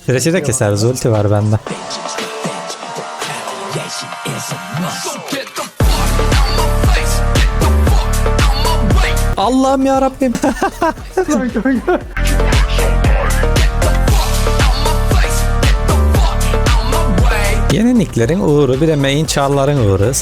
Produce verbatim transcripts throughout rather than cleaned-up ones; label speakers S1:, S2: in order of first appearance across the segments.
S1: Thresh'i de keseriz, ulti var bende. Allah'ım ya Rabbim. Yeniliklerin uğru, bir de main çağların uğru.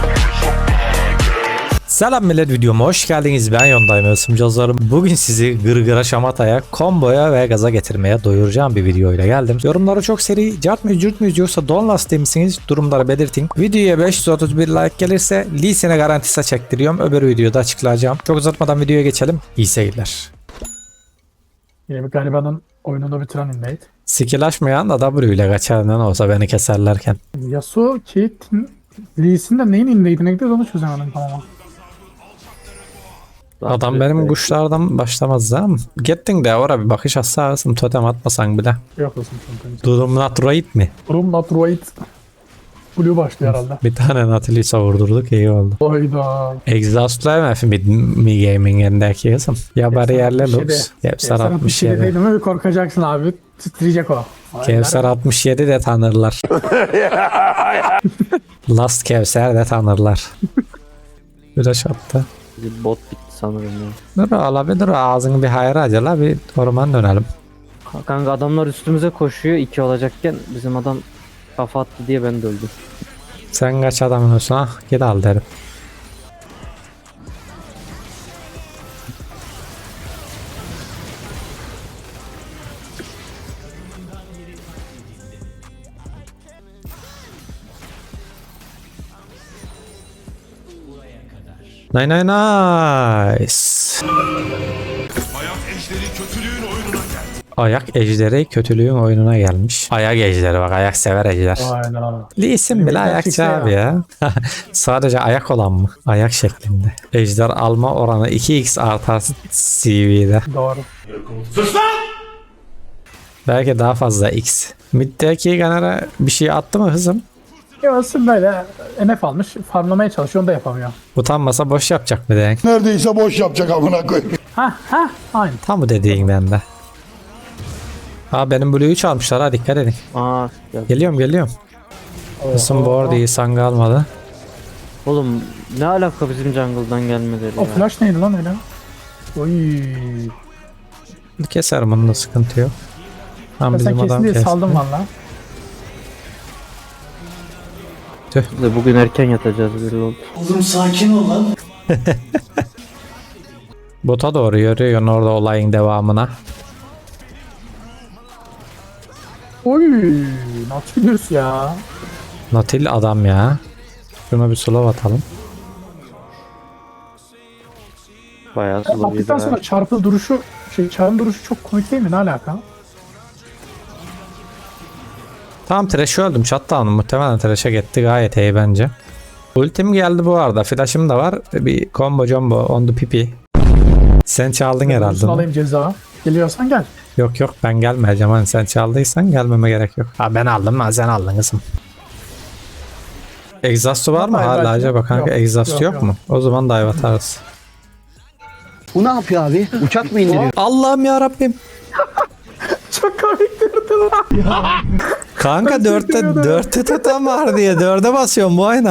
S1: Selam millet, videoma hoş geldiniz. Ben Yondayım Isımcazlarım. Bugün sizi gırgıra şamataya, komboya ve gaza getirmeye doyuracağım bir videoyla geldim. Yorumlara çok seri cart mıyız cürt müyüz yoksa don lastiği misiniz? Durumları belirtin. Videoya beş yüz otuz bir like gelirse Lee Sin'e garantisi çektiriyorum. Öbür videoda açıklayacağım. Çok uzatmadan videoya geçelim. İyi seyirler.
S2: Yine bir garibanın oyununu bitiren invade.
S1: Skill açmayan da W ile kaçar ne olsa beni keserlerken.
S2: Yasuo ki Lee Sin de neyin invade'ine gidiyor onu çözemedim tamamen.
S1: Adam benim kuşlardan başlamaz ha. Gittin de oraya bir bakış atsarsın, totem atmasan bile.
S2: Yok olsun çünkü.
S1: Durum not right mi?
S2: Durum not right. Blue başlıyor herhalde.
S1: Bir tane Nautilus'a vurdurduk, iyi oldu.
S2: Hayda.
S1: Exhaust'la mı mi, mi gaming yerindeki kızım? Ya bariyerle looks. Kevser altmış yedi.
S2: Değil mi? Korkacaksın abi. Titreyecek o.
S1: Kevser altmış yedi de tanırlar. Last Kevser de tanırlar. Flash attı.
S3: Bir bot bitti sanırım ya.
S1: Dur abi dur, ağzını bir hayra acala, bir orman dönelim.
S3: Kanka adamlar üstümüze koşuyor, iki olacakken bizim adam kafa attı diye ben de öldüm.
S1: Sen kaç adamın olsun, ah git al derim. Nice nice nice.
S4: Ayak ejderi kötülüğün oyununa geldi.
S1: Ayak ejderi kötülüğün oyununa gelmiş. Ayak ejderi, bak ayak sever ejder.
S2: Hayda.
S1: Lee Sin bile ayakçı abi ya. Sadece ayak olan mı? Ayak şeklinde. Ejder alma oranı iki x artar C V'de.
S2: Doğru.
S4: Sus lan!
S1: Belki daha fazla x. Mid'deki Gunner'a bir şey attı mı hızım?
S2: Yavaşsın böyle M F almış. Farmlamaya çalışıyor, onu da yapamıyor.
S1: Utanmasa boş yapacak mı denk?
S5: Neredeyse boş yapacak amına koyayım.
S2: Ha ha aynı.
S1: Tam bu dediğin bende. Aa benim Blue'yu çalmışlar, ha dikkat edin.
S3: Aa ya.
S1: Geliyorum geliyorum. Hızım bu arada iyi, sanga almadı.
S3: Oğlum ne alaka bizim jungle'dan gelmeleri
S2: O
S3: ya.
S2: flash neydi lan öyle? Oy.
S1: Keserim, onun da sıkıntı yok. Tam
S2: Ben sen
S1: bizim
S2: kesin
S1: adam
S2: diye
S1: kesti.
S2: saldım valla.
S3: Biz de bugün erken yatacağız bir oldu.
S1: Bota doğru yürüyorsun orada olayın devamına.
S2: Oy. Nautilus ya.
S1: Natil adam ya. Şuna bir slow atalım.
S3: Bayağı sulu bir
S2: Attıktan sonra çarpı duruşu, şey çarpı duruşu çok komik değil mi? Ne alaka?
S1: Tamam, Thresh'i öldüm. Shutdown'um muhtemelen Thresh'e gitti, gayet iyi bence. Ultim geldi bu arada. Flash'ım da var. Bir combo jumbo on the pipi. Sen çaldın herhalde.
S2: Duruşunu alayım ceza. Geliyorsan gel.
S1: Yok yok, ben gelmeyeceğim. Hani sen çaldıysan gelmeme gerek yok. Ha ben aldım, ha sen aldın kızım. Exhaust'u var mı
S2: Hayır,
S1: hala
S2: belki
S1: acaba
S2: yok.
S1: kanka?
S2: Yok,
S1: Exhaust yok,
S2: yok, yok.
S1: mu? O zaman dive atarız.
S6: Bu ne yapıyor abi? Uçak mı indiriyor?
S1: Allah'ım ya Rabbim.
S2: Çok komik durdu lan.
S1: Kanka dörtte
S2: çektim ya.
S1: dörtte tutan var diye dörde basıyorum bu ayna.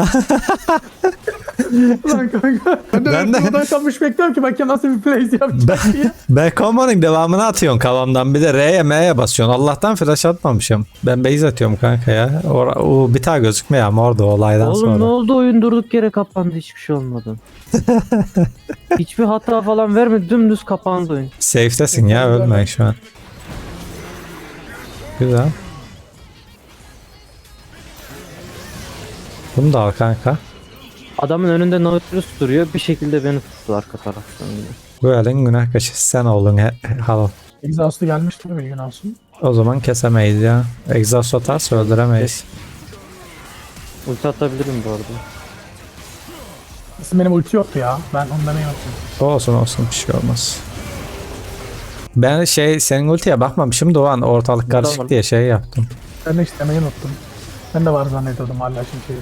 S2: Lan kanka. Ben de
S1: Ben de-
S2: buradan kalmış bekliyorum ki bakayım nasıl bir plays yapacak
S1: Ben,
S2: diye.
S1: ben combo'nun devamını atıyorsun kafamdan, bir de R'ye M'ye basıyorsun. Allah'tan flash atmamışım. Ben base atıyorum kanka ya. O, o bir tane gözükmüyor ama orada olaydan
S3: Oğlum
S1: sonra.
S3: ne oldu, oyun durduk yere kapandı, hiçbir şey olmadı. Hiçbir hata falan vermedi, dümdüz kapandı oyun.
S1: Safe'desin ya, ölmeyin şu an. Güzel. Bunu da al kanka.
S3: Adamın önünde Nautilus duruyor, bir şekilde beni tuttu arka taraftan yine.
S1: Bu elin günah kaşı, sen oldun he, halal.
S2: Exhaust'u gelmişti bir gün olsun.
S1: O zaman kesemeyiz ya. Exhaust atarsa öldüremeyiz.
S3: Ulti atabilirim bu arada.
S2: Aslında benim ulti yoktu ya. Ben ondan iyi unuttum.
S1: Olsun olsun, bir şey olmaz. Ben şey, senin ultiye bakmamışım da o an ortalık karışık
S3: Tamam.
S1: diye şey yaptım.
S2: Ben de istemeyi unuttum. Ben de var zannediyordum hala çünkü.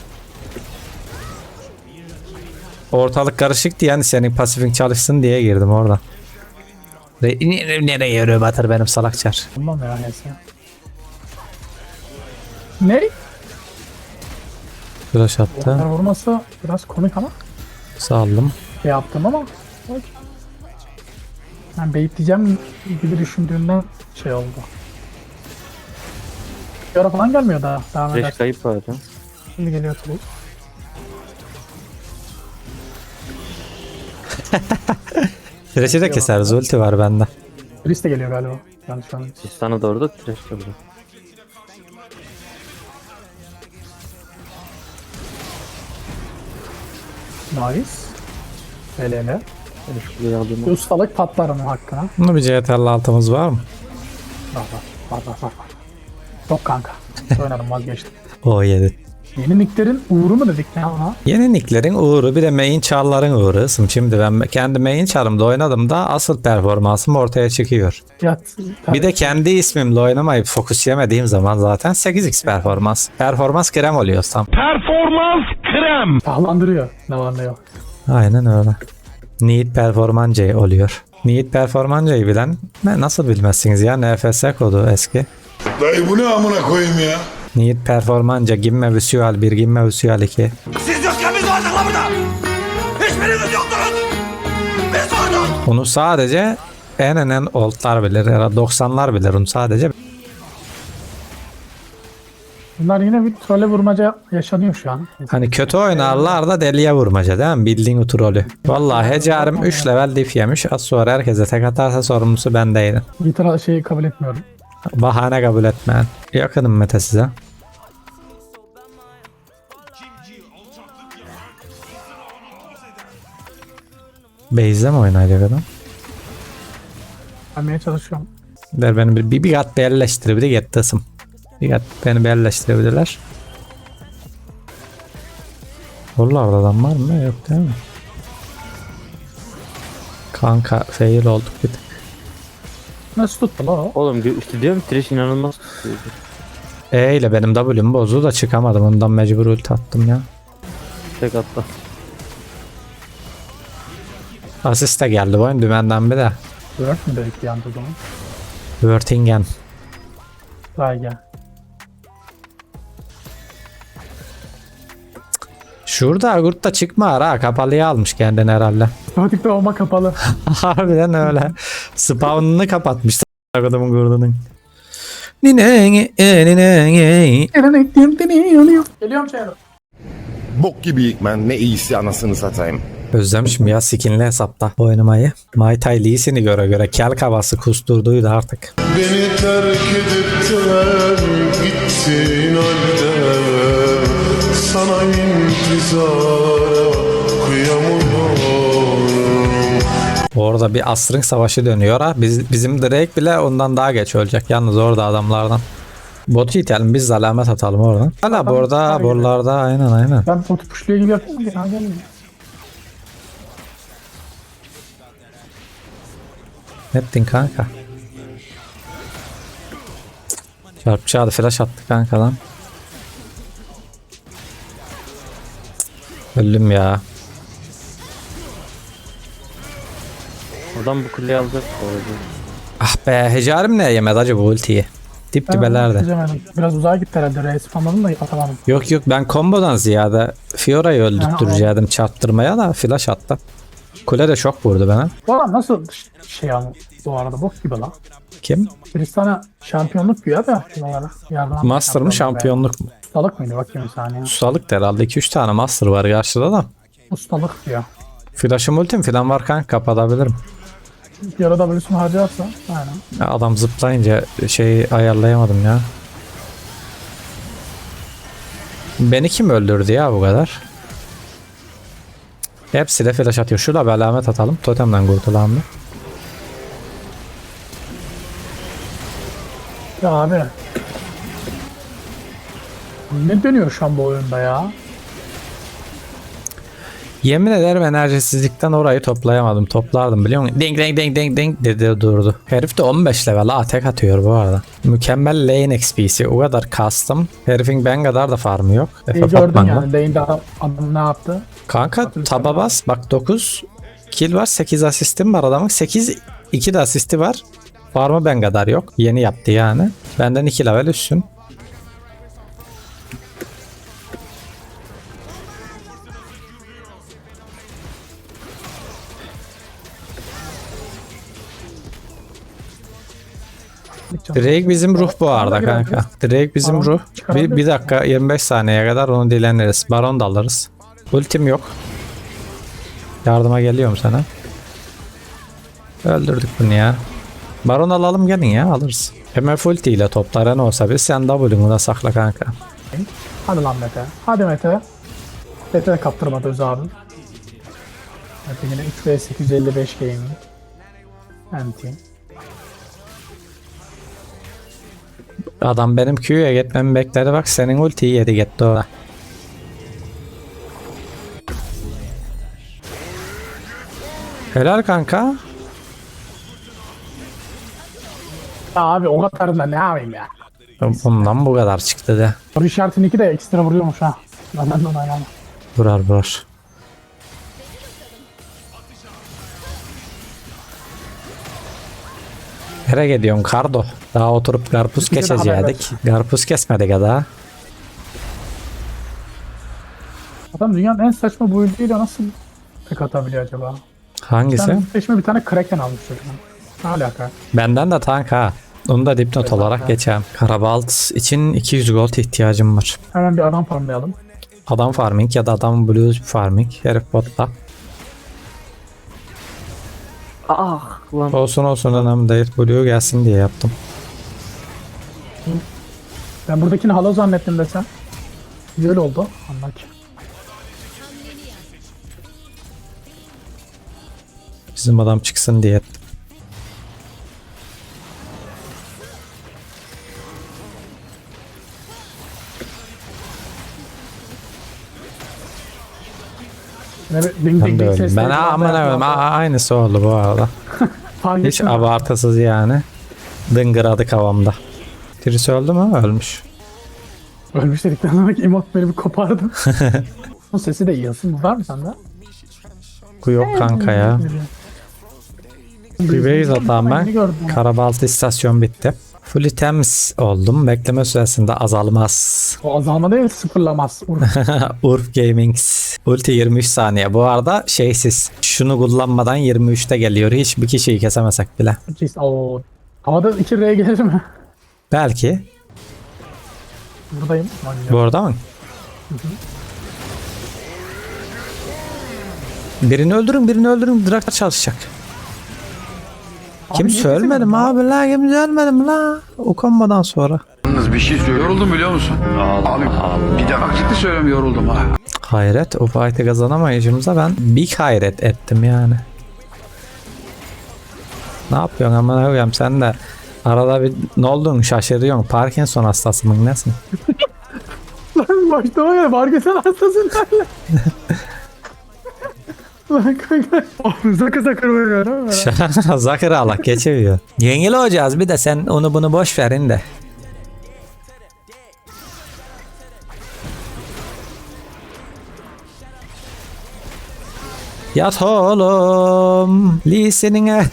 S1: Ortalık karışık diye, yani senin pasifin çalışsın diye girdim orada. Nereye yürüyor Batır benim salakçar.
S2: Bilmem ya neyse. Ne?
S1: Flash attı.
S2: Onlar vurması biraz komik ama
S1: Saldım.
S2: şey yaptım ama ben beyitleyeceğim gibi düşündüğümden şey oldu. Bir ara falan gelmiyor daha. Devam eder.
S3: Fresh kayıp var ya.
S2: Şimdi geliyor tabii.
S1: Flash'i de keseriz. Ulti var bende.
S2: Chris de geliyor galiba. Yanlış anladım.
S3: Sistana doğru da trash kalıyor.
S2: Nice. Hele hele.
S3: Ben şu kuleyi alayım.
S2: Bir ustalık patlar onun hakkına.
S1: Bunu bir C T R'lı altımız var mı?
S2: Var var var var var. var. Yok kanka. Oynadım vazgeçtim.
S1: O yedi.
S2: Yeni nicklerin uğru mu dedik ne ona?
S1: Yeni nicklerin uğru bir de main char'ların uğru. Şimdi ben kendi main char'ımda oynadım da asıl performansım ortaya çıkıyor.
S2: Ya,
S1: Bir de kendi ismimle oynamayıp fokus yemediğim zaman zaten sekiz x performans. Performans krem oluyor tam.
S4: Performans krem.
S2: tahlandırıyor. Ne var ne yok.
S1: Aynen öyle. Need performance oluyor. Need performance'yi bilen ne nasıl bilmezsiniz ya, N F S kodu eski.
S5: Dayı bu ne amına koyayım ya?
S1: Need performance gimme visual bir gimme visual iki.
S4: Siz yokken biz vardık lan burada. Hiçbiriniz yoktunuz. Biz vardık.
S1: Bunu sadece en en en oldlar bilir ya da doksanlar bilir onu sadece.
S2: Bunlar yine bir trolle vurmaca yaşanıyor şu an.
S1: Hani kötü oynarlar da deliye vurmaca değil mi? Bildiğin o trolü. Vallahi Hecarim üç level diff yemiş. Az sonra herkese tek atarsa sorumlusu bendeydim.
S2: Bir şeyi kabul etmiyorum.
S1: Bahane kabul etmeyen. Yakınım Mete size. Base'de mi oynayacak adam?
S2: Vermeye çalışıyorum.
S1: Der beni bir, bir, bir kat belleştirebilir gettasım. Bir kat beni belleştirebilirler. Oralarda adam var mı? Yok değil mi? Kanka fail olduk bir tık.
S2: Nasıl tuttu la o?
S3: Oğlum gö- işte diyorum trash inanılmaz tutuyordu.
S1: E ile benim W'm bozdu da çıkamadım. Ondan mecbur ulti attım ya.
S3: Tek atla.
S1: Asist de geldi bu oyun dümenden bir de.
S2: Dört mü dedik bir anda o zaman?
S1: Wörtingen.
S2: Daha gel.
S1: Şurada Agurt da çıkma ara. Kapalıya almış kendini herhalde.
S2: Otomatik doğma kapalı.
S1: Harbiden öyle. Spawn'ını kapatmış. Adamın gurdunun. Nine nine.
S2: Geliyorum şeye.
S7: Bok gibiyik ben. Ne iyisi anasını satayım.
S1: Özlemişim ya skinli hesapta oynamayı. Mai Tai Lee'sini göre göre kel kavası kusturduydu artık.
S8: Beni terk edip de gittin halde sana intizara kıyamıyorum.
S1: Orada bir asrın savaşı dönüyor ha. Biz, bizim Drake bile ondan daha geç ölecek. Yalnız orada adamlardan. Botu itelim biz alamet atalım oradan. Hala burada buralarda aynen aynen.
S2: Ben botu puşluyor gibi yapayım mı? Ya gelmiyor.
S1: Ne ettin kanka? Çarpıcı adı flash attı kanka lan. Öldüm ya.
S3: Oradan bu kuleyi alacak bu arada.
S1: Ah be Hecarim ne yemedi acaba bu ultiyi? Dip
S2: Ben
S1: dibelerde.
S2: çözemedim. Biraz uzağa gitti herhalde. Reis spamladım da atamadım.
S1: Yok yok ben kombodan ziyade Fiora'yı öldürtürecektim çarptırmaya da flash attı. Kule de şok vurdu bana.
S2: Bu adam nasıl şey ama bu arada bok gibi lan.
S1: Kim?
S2: Tristan'a şampiyonluk güya da şuralara. Yardım
S1: Master mı şampiyonluk mu?
S2: Ustalık mıydı bakayım bir saniye.
S1: Ustalık da herhalde iki üç tane master var karşıda da.
S2: Ustalık diyor.
S1: Flash'ım ultim falan var kanka kapatabilirim.
S2: Bir ara W'sunu harcarsa aynen.
S1: Ya adam zıplayınca şeyi ayarlayamadım ya. Beni kim öldürdü ya bu kadar? Hepsi de flash atıyor. Şurada bir alamet atalım. Totemden kurtulalım mı?
S2: Ya abi. Ne dönüyor şu an bu oyunda ya?
S1: Yemin ederim enerjisizlikten orayı toplayamadım. Toplardım biliyor musun? Ding ding ding ding ding dedi durdu. Herif de on beş level ha tek atıyor bu arada. Mükemmel lane X P'si. O kadar custom. Herifin ben kadar da farmı yok.
S2: İyi
S1: Efe
S2: gördün
S1: Fatman'la.
S2: yani. Lane'de adam, adam ne yaptı?
S1: Kanka taba bas. Bak dokuz kill var. sekiz asistim var adamın. sekiz iki de asisti var. Farmı ben kadar yok. Yeni yaptı yani. Benden iki level üstün. Drake bizim ruh bu arada
S2: Bana
S1: kanka.
S2: biraz-
S1: Drake bizim
S2: Baron
S1: ruh. Bir,
S2: çıkarabilir
S1: bir dakika yirmi beş saniyeye kadar onu dileniriz. Baron da alırız. Ultim yok. Yardıma geliyorum sana. Öldürdük bunu ya. Baron alalım gelin ya alırız. M F ulti ile toplara ne olsa biz sen W'nu da sakla kanka.
S2: Hadi lan Mete. Hadi Mete. Mete de kaptırmadı Öz abi. Mete yine üç ve sekiz yüz elli beş gaming. Anti.
S1: Adam benim Q'ya gitmemi bekledi bak senin ultiyi yedi gitti o. Helal kanka.
S2: Ya abi o kadar da ne yapayım ya.
S1: Bundan bu kadar çıktı de.
S2: Soru işaretinin iki de ekstra vuruyormuş ha. Ben de onu oynamam.
S1: Vurar vurar. Nereye gidiyorsun Kardo? Daha oturup karpuz
S2: Bir de haber
S1: kesecektik. Karpuz kesmedik ya daha.
S2: Adam dünyanın en saçma build'iyle nasıl tek atabiliyor acaba?
S1: Hangisi?
S2: Ben peşime bir tane Kraken almış çocuğum. Ne alaka?
S1: Benden de tank ha. Onu da dipnot olarak geçeyim. Karabalt için iki yüz gold ihtiyacım var.
S2: Hemen bir adam farmlayalım.
S1: Adam farming ya da adam blues farming. Herif botta.
S3: Ah lan.
S1: Olsun olsun önemli değil. Blue gelsin diye yaptım.
S2: Ben buradakini halo zannettim desem. Güzel oldu. Anlar ki.
S1: Bizim adam çıksın diye ettim.
S2: Ne bir ding
S1: Ben
S2: ding
S1: de
S2: ding
S1: öyle.
S2: sesleri
S1: Ben
S2: falan
S1: aman
S2: da
S1: abim
S2: yapıyor.
S1: aynısı oldu bu arada.
S2: Fark
S1: Hiç
S2: ettim.
S1: abartısız yani. Dıngıradık havamda. Birisi öldü mü? Ölmüş.
S2: Ölmüş dedikten sonra emot beni bir kopardı. O sesi de iyi. Aslında var mı sende?
S1: Bu yok kanka ya. Bir base atağım
S2: Yeni
S1: ben.
S2: gördüm.
S1: Karabaltı istasyon bitti. Fully temiz oldum. Bekleme süresinde azalmaz.
S2: O azalma değil sıfırlamaz.
S1: Urf Gaming. Ulti yirmi üç saniye. Bu arada şeysiz. Şunu kullanmadan yirmi üçte geliyor. Hiçbir kişiyi kesemesek bile.
S2: Oo. Havada iki R gelir mi?
S1: Belki.
S2: Buradayım.
S1: Bu arada mı? Birini öldürün, birini öldürün. Drak çalışacak. Kimse ölmedi mi abi la? Kimse ölmedi mi la? O kombadan sonra.
S4: Yalnız bir şey söylüyorum. Yoruldum biliyor musun? Abi bir de bak ciddi söylüyorum yoruldum ha.
S1: Hayret. O fight'ı kazanamayışımıza ben big hayret ettim yani. Ne yapıyorsun aman koyayım sen de arada bir ne olduğunu şaşırıyorsun. Parkinson hastası mı nesin?
S2: Lan başta var ya Vargas'ın hastasın derler. Lan kanka. Zakı zakır vuruyor değil mi?
S1: Zakır Allah geçiyor. Yengil olacağız bir de sen onu bunu boş verin de. Yat oğlum lisenine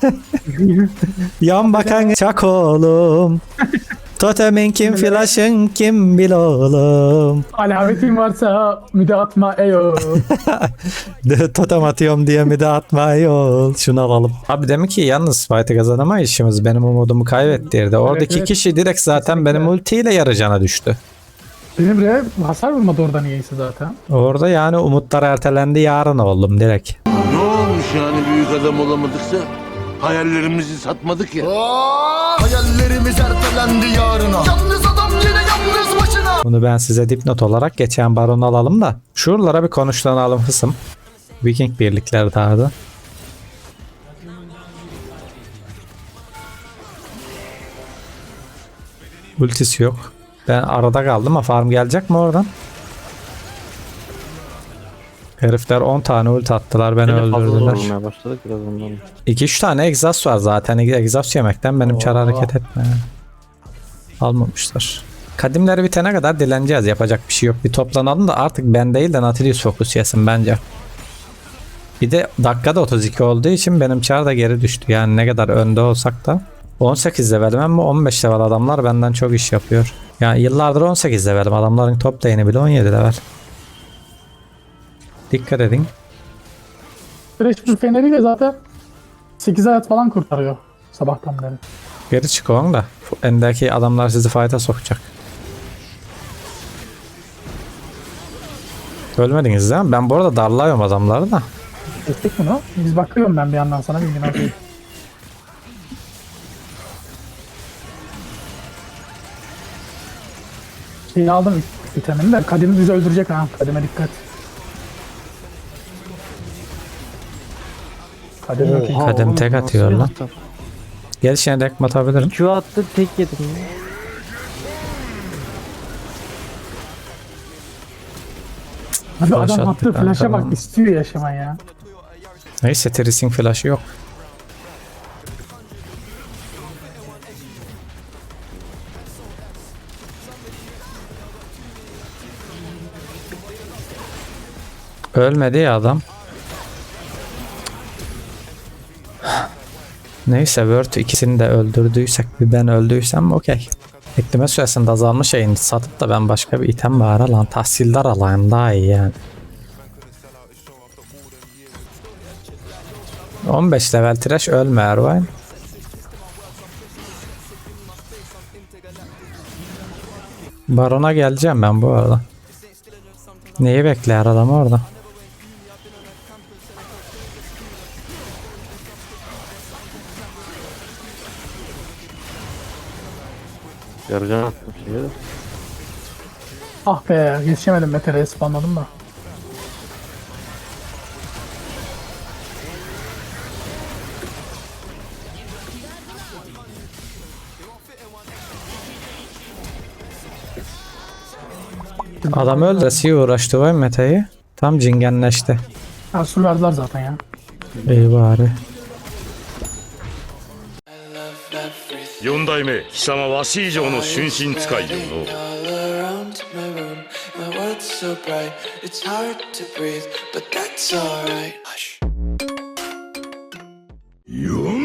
S1: yan bakan çak oğlum totemin kim flash'ın kim bil oğlum
S2: Alametin varsa müde atma eyo.
S1: totem atıyorum diye mi de atma yol şunu alalım. Abi demek ki yalnız fight'ı kazanamayışımız benim umudumu kaybettirdi. Oradaki
S2: evet.
S1: kişi direkt zaten
S2: Kesinlikle.
S1: benim ultiyle yarıcana düştü.
S2: Benim re hasar vurmadı orada niyeyse zaten.
S1: Orada yani umutlar ertelendi yarın oldum direkt.
S9: Ne olmuş yani büyük adam olamadıksa? Hayallerimizi satmadık ya.
S5: Hayallerimiz ertelendi yarına. Yalnız adam yine yalnız başına.
S1: Bunu ben size dipnot olarak geçen baronu alalım da. Şuralara bir konuşlanalım hısım. Viking birlikleri dağıdı. Ultisi yok. Ben arada kaldım ama farm gelecek mi oradan? Herifler on tane ulti attılar beni
S3: Yine fazla
S1: öldürdüler.
S3: zorlamaya başladık biraz ondan.
S1: iki üç tane egzoz var zaten. Egzoz yemekten benim çar hareket etme. Almamışlar. Kadimleri bitene kadar dileneceğiz. Yapacak bir şey yok. Bir toplanalım da artık ben değil de Nautilus fokus yesin bence. Bir de dakikada otuz iki olduğu için benim çar da geri düştü. Yani ne kadar önde olsak da. on sekiz levelim ama on beş level adamlar benden çok iş yapıyor. Yani yıllardır on sekiz levelim. Adamların top lane'i bile on yedi level. Dikkat edin.
S2: Thresh bir feneriyle zaten sekiz hayat falan kurtarıyor sabahtan beri.
S1: Geri çıkın da. Endeki adamlar sizi fight'a sokacak. Ölmediniz değil mi? Ben bu arada darlıyorum adamları da.
S2: Kestik bunu. Biz bakıyorum ben bir yandan sana bilgin olsun. Şeyi aldım vitamini de Kadim'i bizi öldürecek ha. Kadime dikkat. Kadim yok.
S3: Oha,
S1: Kadem
S3: oğlum,
S1: tek
S3: nasıl
S1: atıyor
S3: bir
S1: lan.
S3: hata?
S1: Gel şimdi dekme atabilirim.
S3: Q attı tek yedim ya.
S2: Abi
S1: Flash
S2: adam
S1: attı
S2: attığı flash'a
S1: kanka.
S2: bak istiyor yaşamayı ya.
S1: Neyse Tris'in flash'ı yok. Ölmedi ya adam. Neyse Word ikisini de öldürdüysek bir ben öldüysem okey. Bekleme süresinde azalmış şeyini satıp da ben başka bir item bari lan tahsildar alayım daha iyi yani. on beş level trash ölme Ervine. Baron'a geleceğim ben bu arada. Neyi bekler adam orada?
S3: Yarıcan attım şeye de.
S2: Ah be yetişemedim Mete'ye spamladım da.
S1: Adam öldüresiye uğraştı vay Mete'yi. Tam cingenleşti.
S2: Ha sur verdiler zaten ya.
S1: İyi bari.
S8: 四代目貴様わし以上の春心使いよの
S10: all around my room. My world's so bright, it's hard to breathe, but that's alright. Hush.
S8: よん